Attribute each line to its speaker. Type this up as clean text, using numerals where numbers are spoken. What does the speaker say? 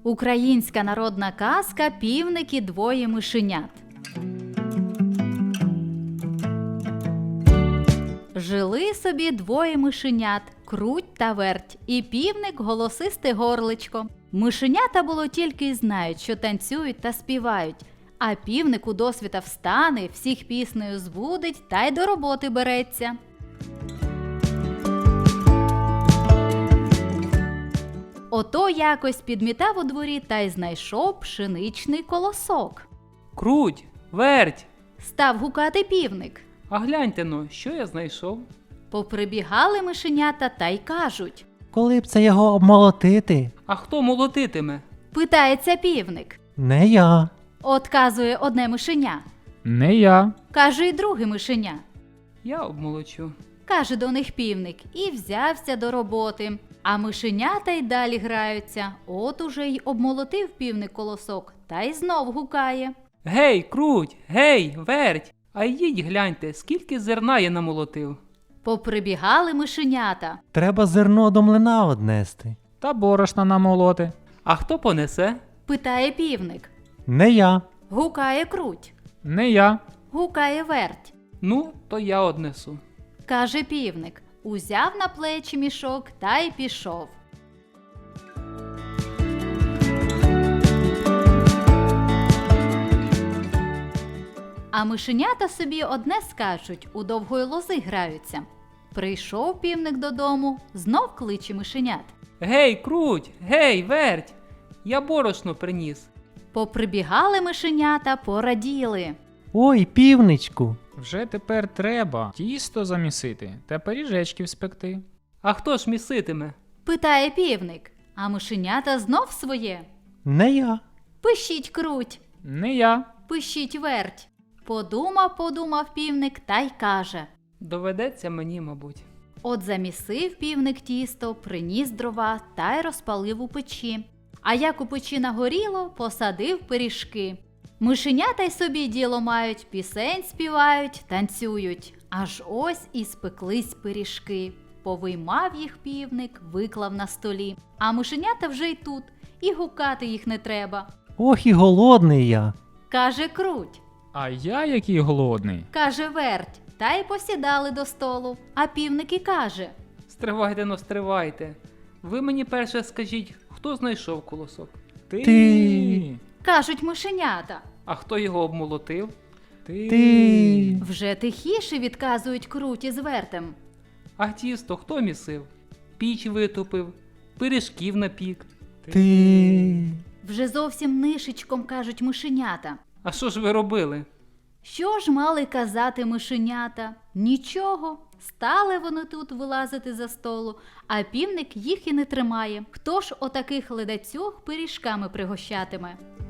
Speaker 1: Українська народна казка «Півник і двоє мишенят». Жили собі двоє мишенят – Круть та Верть, і півник – голосисте горличко. Мишенята було тільки й знають, що танцюють та співають, а півник удосвіта встане, всіх піснею збудить та й до роботи береться. Ото якось підмітав у дворі та й знайшов пшеничний колосок.
Speaker 2: Круть, Верть,
Speaker 1: Став гукати півник.
Speaker 2: а гляньте-но, що я знайшов?
Speaker 1: Поприбігали мишенята та й кажуть.
Speaker 3: Коли б це його обмолотити?
Speaker 2: А хто молотитиме?
Speaker 1: Питається півник.
Speaker 3: Не я.
Speaker 1: Отказує одне мишеня.
Speaker 4: Не я.
Speaker 1: Каже й друге мишеня.
Speaker 2: Я обмолочу.
Speaker 1: Каже до них півник і взявся до роботи. А мишенята й далі граються. От уже й обмолотив півник колосок та й знов гукає.
Speaker 2: Гей, Круть, гей, Верть, а йдіть гляньте, скільки зерна я намолотив.
Speaker 1: Поприбігали мишенята.
Speaker 3: Треба зерно до млина однести.
Speaker 4: Та борошна намолоти.
Speaker 2: А хто понесе?
Speaker 1: Питає півник.
Speaker 3: Не я.
Speaker 1: Гукає Круть.
Speaker 4: Не я.
Speaker 1: Гукає Верть.
Speaker 2: Ну, то я однесу.
Speaker 1: Каже півник. Узяв на плечі мішок та й пішов. А мишенята собі одне скачуть, у довгої лози граються. Прийшов півник додому, знов кличе мишенят.
Speaker 2: Гей, Круть, гей, Верть, я борошно приніс.
Speaker 1: Поприбігали мишенята, пораділи.
Speaker 3: Ой, півничку.
Speaker 4: Вже тепер треба тісто замісити та пиріжечків спекти.
Speaker 2: А хто ж міситиме?
Speaker 1: Питає півник, а мишенята знов своє.
Speaker 3: Не я.
Speaker 1: Пишіть Круть,
Speaker 4: Не я.
Speaker 1: пишіть Верть. Подумав півник та й каже.
Speaker 2: Доведеться мені, мабуть.
Speaker 1: От замісив півник тісто, приніс дрова та й розпалив у печі. А як у печі нагоріло, посадив пиріжки. Мишенята й собі діло мають, пісень співають, танцюють. Аж ось і спеклись пиріжки. Повиймав їх півник, виклав на столі. А мишенята вже й тут, і гукати їх не треба.
Speaker 3: Ох і голодний я.
Speaker 1: Каже Круть,
Speaker 4: А я який голодний.
Speaker 1: каже Верть, та й посідали до столу. А півник і каже.
Speaker 2: Стривайте, но стривайте. Ви мені перше скажіть, хто знайшов колосок?
Speaker 3: Ти.
Speaker 1: Кажуть мишенята.
Speaker 2: А хто його обмолотив?
Speaker 3: Ти.
Speaker 1: Вже тихіше відказують Круті з Вертем.
Speaker 2: А тісто хто місив? Піч витопив, пиріжків напік.
Speaker 3: Ти.
Speaker 1: Вже зовсім нишечком кажуть мишенята.
Speaker 2: А що ж ви робили?
Speaker 1: Що ж мали казати мишенята? Нічого. Стали вони тут вилазити за столу, а півник їх і не тримає. Хто ж отаких ледацюг пиріжками пригощатиме?